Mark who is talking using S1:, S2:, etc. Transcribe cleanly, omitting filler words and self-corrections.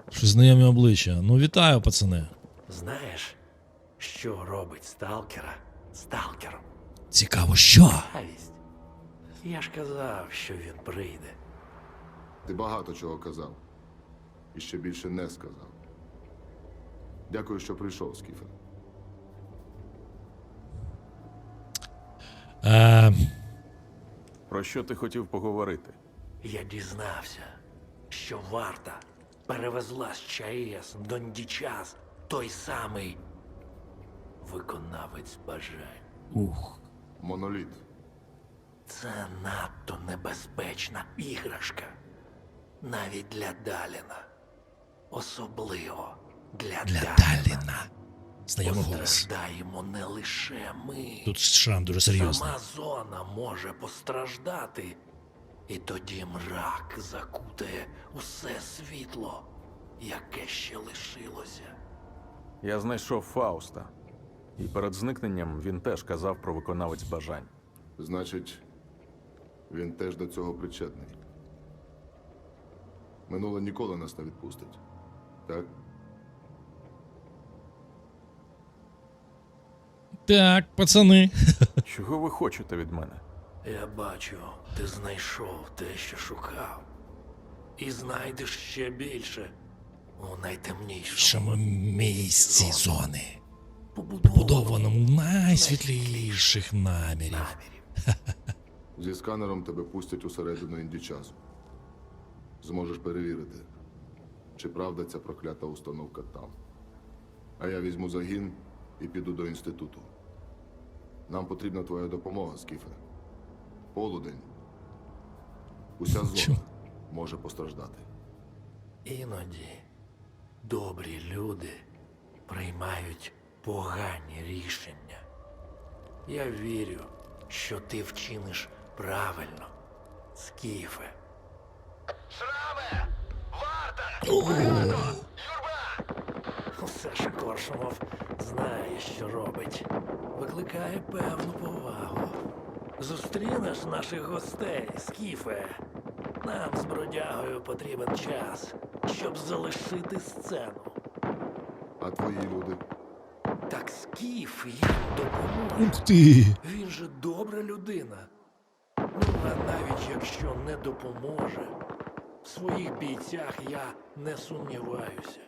S1: Щось знайомі обличчя. Ну, вітаю, пацани.
S2: Знаєш, що робить сталкера сталкером?
S1: Цікаво, що?
S2: Авість. Я ж казав, що він прийде.
S3: Ти багато чого казав. І ще більше не сказав. Дякую, що прийшов, Скіфе.
S4: Про що ти хотів поговорити?
S2: Я дізнався, що варта перевезла з ЧАЕС до Ндічас той самий виконавець бажань.
S1: Ух.
S3: Моноліт.
S2: Це надто небезпечна іграшка. Навіть для Даліна. Особливо для Даліна.
S1: Знайомий голос.
S2: Постраждаємо не лише ми.
S1: Тут шрам дуже серйозний.
S2: Сама зона може постраждати. І тоді мрак закутає усе світло, яке ще лишилося.
S4: Я знайшов Фауста. І перед зникненням він теж казав про виконавець бажань.
S3: Значить, він теж до цього причетний. Минуле ніколи нас не відпустить. Так?
S1: Так, пацани.
S4: Чого ви хочете від мене?
S2: Я бачу, ти знайшов те, що шукав. І знайдеш ще більше у найтемнішому
S1: Шому місці зони.
S2: побудованому
S1: Будованому в найсвітліших намірів.
S2: намірів.
S3: Зі сканером тебе пустять усередину індічасу. Зможеш перевірити, чи правда ця проклята установка там. А я візьму загін і піду до інституту. Нам потрібна твоя допомога, Скіфе. Полудень. Уся зона може постраждати.
S2: Іноді добрі люди приймають погані рішення. Я вірю, що ти вчиниш правильно, Скіфе.
S5: Шраме! Варта! Багато! Юрба!
S2: Все ж Коршунов знає, що робить. Викликає певну повагу. Зустрінеш наших гостей, Скіфе. Нам з бродягою потрібен час, щоб залишити сцену.
S3: А твої люди?
S2: Так Скіф їм допоможе.
S1: Ух ти!
S2: Він же добра людина. Ну, а навіть якщо не допоможе, в своїх бійцях я не сумніваюся.